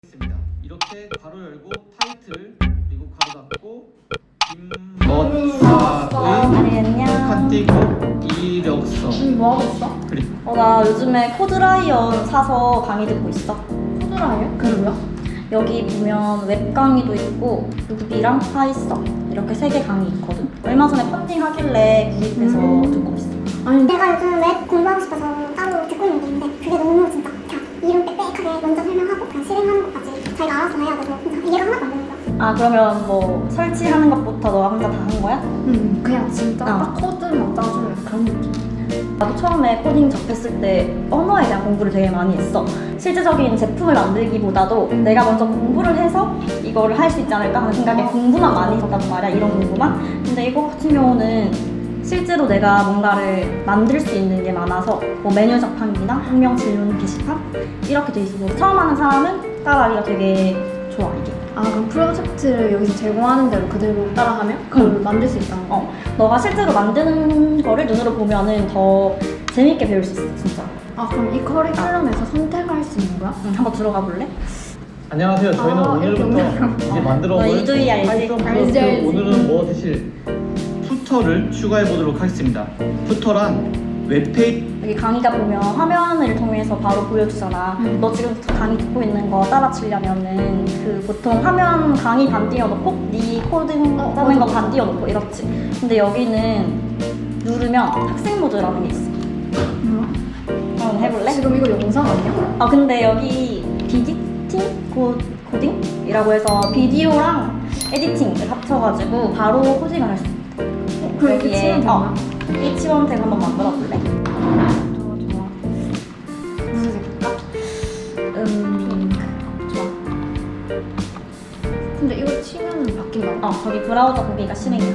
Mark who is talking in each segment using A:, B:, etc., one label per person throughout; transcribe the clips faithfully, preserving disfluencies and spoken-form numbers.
A: 있습니다. 이렇게 괄호 열고 타이틀 그리고 괄호 닫고 김멋사의 칸 띄고 이력서.
B: 응, 뭐 하고 있어?
A: 그래.
C: 어, 나 요즘에 코드라이언 사서 강의 듣고 있어.
B: 코드라이언? 그게 뭐야?
C: 여기 보면 웹 강의도 있고 루비랑 파이썬 이렇게 세 개 강의 있거든. 얼마 전에 펀딩 하길래 구입해서
B: 음.
C: 듣고 있어.
B: 아니
D: 내가 요즘 웹 공부하고 싶어서 따로 듣고 있는 게 있는데 그게 너무 진짜 그냥 이름 빽빽하게 먼저 설명하고 그냥 실행하는 것까지 자기가 알아서 해야 돼서 진짜 이해가 하나도 안 되는 거야.
C: 아, 그러면 뭐 설치하는 것부터 너가 혼자 다 한 거야?
B: 응 그냥 진짜
C: 어.
B: 딱 코드만 짜주는 그런 느낌.
C: 나도 처음에 코딩 접했을 때 언어에 대한 공부를 되게 많이 했어. 실제적인 제품을 만들기보다도 내가 먼저 공부를 해서 이거를 할 수 있지 않을까 하는 생각에 공부만 많이 했단 말이야, 이런 공부만. 근데 이거 같은 경우는 실제로 내가 뭔가를 만들 수 있는 게 많아서 뭐 메뉴 자판기나 학명 질문 게시판 이렇게 돼 있어서 처음 하는 사람은 따라하기가 되게 좋아, 이게.
B: 아 그럼 프로젝트를 여기서 제공하는 대로 그대로 따라가면 그걸
C: 응.
B: 만들 수 있다는 거?
C: 어, 너가 실제로 만드는 거를 눈으로 보면은 더 재밌게 배울 수 있어, 진짜.
B: 아 그럼 이 커리큘럼에서 선택할 수 있는 거야?
C: 응, 한번 들어가 볼래?
A: 안녕하세요. 저희는
B: 아, 이렇게
A: 오늘부터
B: 오늘부터.
A: 이제
B: 어.
A: 만들어
C: 너
A: 볼
C: 이두희 알지?
A: 파이썬
B: 알지,
A: 플러스
B: 알지.
A: 오늘은 뭐 드실 푸터를 추가해 보도록 하겠습니다. 푸터란 웹페이지
C: 여기 강의가 보면 화면을 통해서 바로 보여주잖아.
B: 음.
C: 너 지금 강의 듣고 있는 거 따라치려면은 그 보통 화면 강의 반 띄워놓고 네 코딩
B: 어,
C: 짜는 거
B: 맞아,
C: 반
B: 맞아.
C: 띄워놓고 이렇지. 근데 여기는 누르면 학생 모드라는 게 있어.
B: 뭐야?
C: 한번 해볼래?
B: 지금 이거 영상 아니야?
C: 아 근데 여기 비디팅 코, 코딩이라고 해서 비디오랑 에디팅을 합쳐가지고 바로 코딩을 할 수 있어.
B: 어, 그럼 이렇게 치면 되나?
C: 어, H1텍 한번 만들어 볼래?
B: 좋아 좋아. 무슨 색일까?
C: 음, 좋아.
B: 근데 이거 치면은 바뀐다고?
C: 어, 저기 브라우저 보기가 실행이야.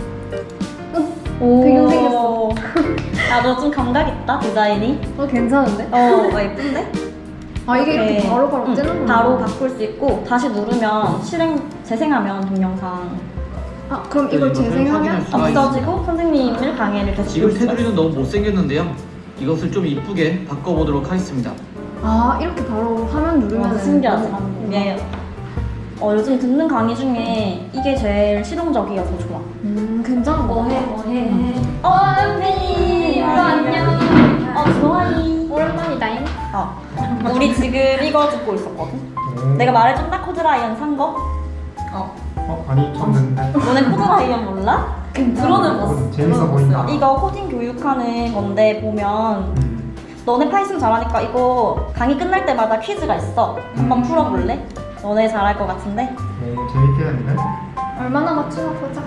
B: 오. 배경 생겼어.
C: 아, 너 좀 감각 있다, 디자인이.
B: 어 괜찮은데?
C: 어, 어, 예쁜데?
B: 아 이게 이렇게 바로바로
C: 응,
B: 뜨는구나.
C: 바로 바꿀 수 있고, 다시 누르면 실행, 재생하면 동영상
B: 아 그럼 이걸
A: 이것을
B: 재생하면
A: 확인할 수가
C: 없어지고 선생님을 강의를 계속
A: 지금
C: 볼 수가
A: 테두리는
C: 있어.
A: 너무 못생겼는데요. 이것을 좀 이쁘게 바꿔보도록 하겠습니다.
B: 아 이렇게 바로 화면 누르면
C: 와, 신기하지? 이게 어, 요즘 듣는 강의 중에 이게 제일 실용적이어서 좋아.
B: 음 괜찮은 거 같아.
C: 뭐해? 어, 은빈이!
B: 안녕.
C: 어, 좋아해.
B: 오랜만이다잉.
C: 어, 우리 지금 이거 듣고 있었거든? 내가 말해줬나? 코드라이언 산 거? 어.
E: 어? 아니 쳤는데
C: 너네 코드라이언 몰라?
B: 들어는
E: 어, 재밌어 보인다.
C: 이거 코딩 교육하는 건데 보면
E: 음.
C: 너네 파이썬 잘하니까 이거 강의 끝날 때마다 퀴즈가 있어. 한번 풀어볼래? 너네 잘할 것 같은데?
E: 오 재밌게 했네.
B: 얼마나 맞추나 보자.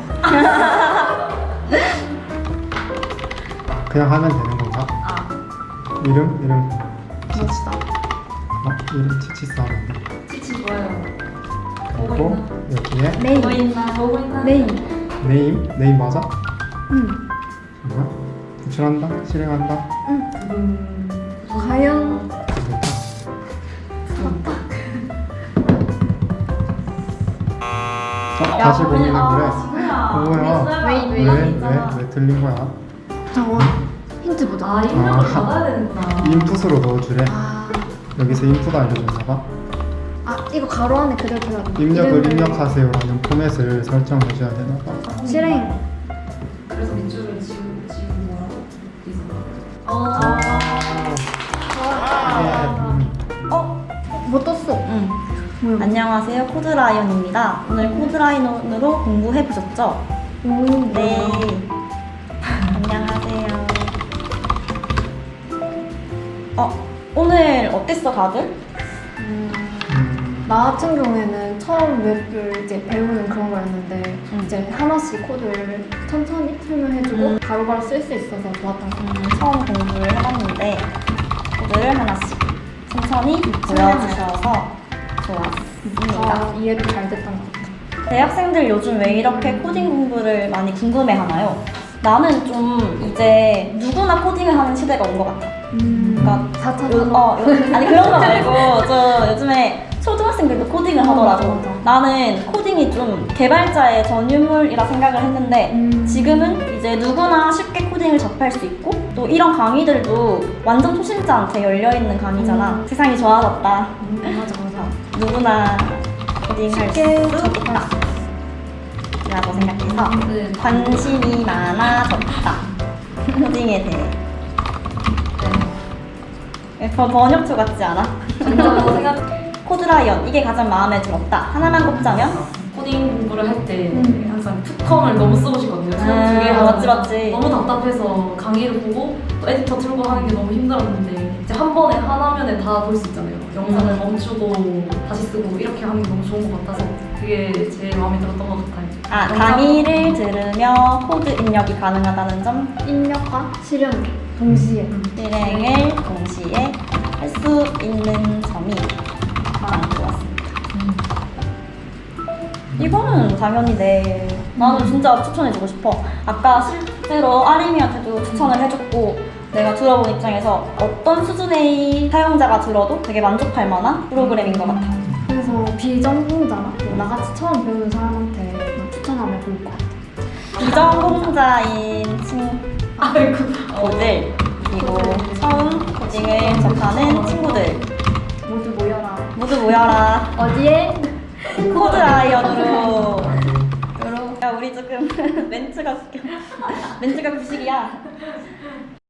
E: 그냥 하면 되는 건가?
C: 아,
E: 이름? 이름
B: 멋있다.
E: 어? 이름 치치스 하면 돼.
C: 치치 좋아요.
E: 그리고 여기에
B: 네임.
C: 보인다, 보고 있나?
B: 네임.
E: 네임? 네임 맞아?
B: 응.
E: 잠깐 구출한다? 실행한다?
B: 과연
E: 됐다. 어? 다시 보이는 그래. 어, 뭐야?
C: 왜,
E: 왜? 왜? 왜 틀린 거야?
B: 잠깐만. 힌트 보자.
C: 아, 입력을 받아야 되는구나.
E: 인풋으로 넣어주래.
B: 아,
E: 여기서 인풋 알려줬나 봐.
B: 아 이거 가로 안에 그대로 들어가.
E: 입력을 입력하세요라는 포맷을 설정해줘야 되나 봐.
B: 실행.
F: 그래서 밑줄을 지우고 지우고 뭐라고?
C: 어,
E: 이게 음,
C: 어?
B: 뭐 떴어?
C: 응.
B: 뭐야?
C: 안녕하세요, 코드라이언입니다. 오늘 코드라이언으로 공부해보셨죠?
B: 오,
C: 네. 안녕하세요. 어, 오늘 어땠어, 다들?
B: 음,
E: 음,
B: 나 같은 경우에는 처음 웹을 이제 배우는 그런 거였는데
C: 음.
B: 이제 하나씩 코드를 천천히 설명해주고
C: 음.
B: 바로바로 쓸 수 있어서 좋았던 것 같아.
C: 음, 처음 공부를 해봤는데 코드를 하나씩 천천히 보여주셔서 좋았습니다.
B: 아, 이해도 잘 됐던 것 같아.
C: 대학생들 요즘 왜 이렇게 코딩 공부를 많이 궁금해하나요? 나는 좀 이제 누구나 코딩을 하는 시대가 온 것 같아.
B: 음,
C: 그러니까
B: 사 차
C: 요,
B: 산업.
C: 어, 요, 아니 그런 거 말고 저 요즘에 초등학생들도 코딩을
B: 어,
C: 하더라고.
B: 맞아, 맞아.
C: 나는 코딩이 좀 개발자의 전유물이라 생각을 했는데
B: 음.
C: 지금은 이제 누구나 쉽게 코딩을 접할 수 있고 또 이런 강의들도 완전 초심자한테 열려있는 강의잖아.
B: 음.
C: 세상이 좋아졌다.
B: 음, 맞아 맞아.
C: 누구나 코딩할 수
B: 쉽게
C: 있다 라고 생각해서
F: 네.
C: 관심이 많아졌다 코딩에 대해 번- 번역초 같지 않아?
F: 진짜로 생각
C: 코드라이언 이게 가장 마음에 들었다 하나만 꼽자면
F: 코딩 공부를 할 때 항상 투컴을 너무 쓰고 싶거든요.
C: 음,
F: 두개
C: 맞지, 맞지.
F: 너무 답답해서 강의를 보고 또 에디터 틀고 하는 게 너무 힘들었는데 이제 한 번에 한 화면에 다 볼 수 있잖아요. 영상을 멈추고 다시 쓰고 이렇게 하는 게 너무 좋은 것 같아서 그게 제일 마음에 들었던 것 같아요.
C: 아
F: 영상-
C: 강의를 들으며 코드 입력이 가능하다는 점
B: 입력과 실현 동시에
C: 실행을 동시에 할 수 있는 점이 가장 좋았습니다. 이거는 당연히 네. 나는 진짜 추천해주고 싶어. 아까 실제로 아림이한테도 추천을 해줬고 내가 들어본 입장에서 어떤 수준의 사용자가 들어도 되게 만족할 만한 프로그램인 것 같아.
B: 그래서 비전공자나 뭐 나같이 처음 배우는 사람한테 추천하면 좋을 것 같아.
C: 비전공자인 친구들 그리고 처음 코딩을 접하는 친구들
B: 모두 모여라.
C: 모두 모여라.
B: 어디에?
C: 코드 아이언으로. 야 우리 조금 멘트가 웃겨. 멘트가 구식이야.